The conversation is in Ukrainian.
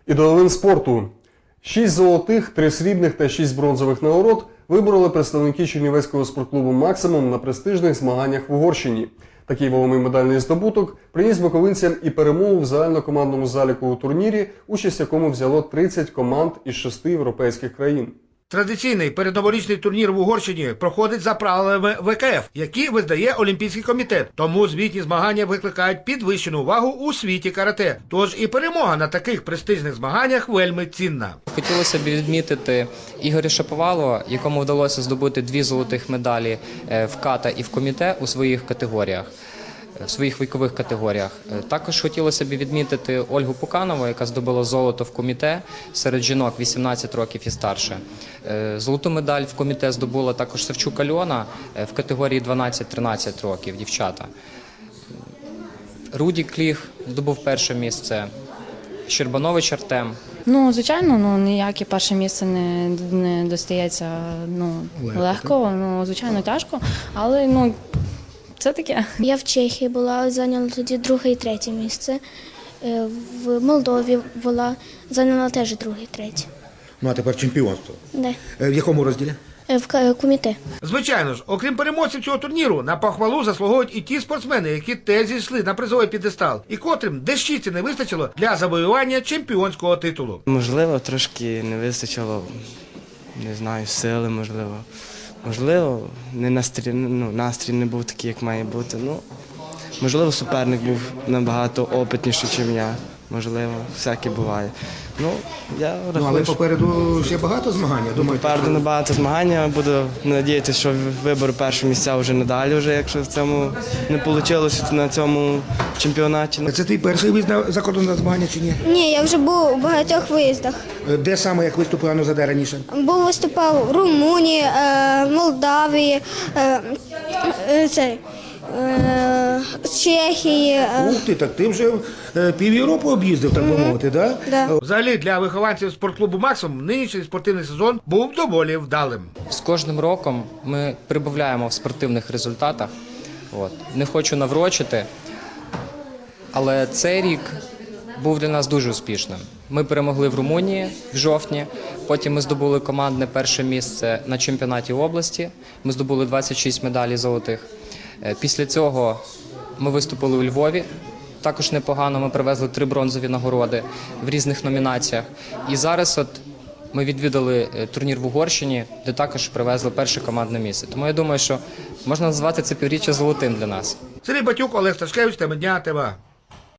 І до новин спорту. 6 золотих, 3 срібних та 6 бронзових нагород вибороли представники Чернівецького спортклубу «Максимум» на престижних змаганнях в Угорщині. Такий вагомий медальний здобуток приніс буковинцям і перемогу в загальнокомандному заліку турнірі, участь в якому взяло 30 команд із 6 європейських країн. Традиційний передноворічний турнір в Угорщині проходить за правилами ВКФ, які визнає Олімпійський комітет. Тому звітні змагання викликають підвищену увагу у світі карате. Тож і перемога на таких престижних змаганнях вельми цінна. Хотілося б відмітити Ігоря Шаповалова, якому вдалося здобути 2 золотих медалі в ката і в коміте у своїх категоріях. В своїх вікових категоріях. Також хотілося б відмітити Ольгу Пуканову, яка здобула золото в коміте серед жінок 18 років і старше. Золоту медаль в коміте здобула також Савчук Альона в категорії 12-13 років, дівчата. Рудік Кліх здобув перше місце, Щербанович Артем. Звичайно, ніяке перше місце не достається легко, звичайно, тяжко, але це таке. Я в Чехії була, зайняла тоді 2-е і 3-е місце. В Молдові була, зайняла теж 2-е і 3-е. А тепер чемпіонство. Де? В якому розділі? В коміте. Звичайно ж, окрім переможців цього турніру, на похвалу заслуговують і ті спортсмени, які теж зійшли на призовий п'єдестал, і котрим дещиці не вистачило для завоювання чемпіонського титулу. Можливо, трошки не вистачило, не знаю, сили, можливо. Можливо, настрій не був такий, як має бути. Можливо, суперник був набагато опитніший, ніж я. Можливо, всяке буває. Я рахую, Але попереду ще багато змагань. попереду набагато змагання. Буду сподіватися, що виберу перше місця вже надалі, якщо в цьому не вийшло на цьому чемпіонаті. Це твій перший виїзд за кордон на змагання чи ні? Ні, я вже був у багатьох виїздах. Де саме, як виступила Нозаде раніше? Виступав в Румунії, Молдавії, Чехії. Ух ти, так ти вже пів Європи об'їздив, так би мовити, так? Да. Взагалі, для вихованців спортклубу «Максимум» нинішній спортивний сезон був доволі вдалим. З кожним роком ми прибавляємо в спортивних результатах. Не хочу наврочити, але цей рік був для нас дуже успішним. Ми перемогли в Румунії в жовтні, потім ми здобули командне перше місце на чемпіонаті області, ми здобули 26 медалей золотих. Після цього ми виступили у Львові, також непогано, ми привезли 3 бронзові нагороди в різних номінаціях. І зараз ми відвідали турнір в Угорщині, де також привезли перше командне місце. Тому я думаю, що можна назвати це півріччя золотим для нас. Сергій Батюк, Олег Сташкевич, тема дня, ТВА.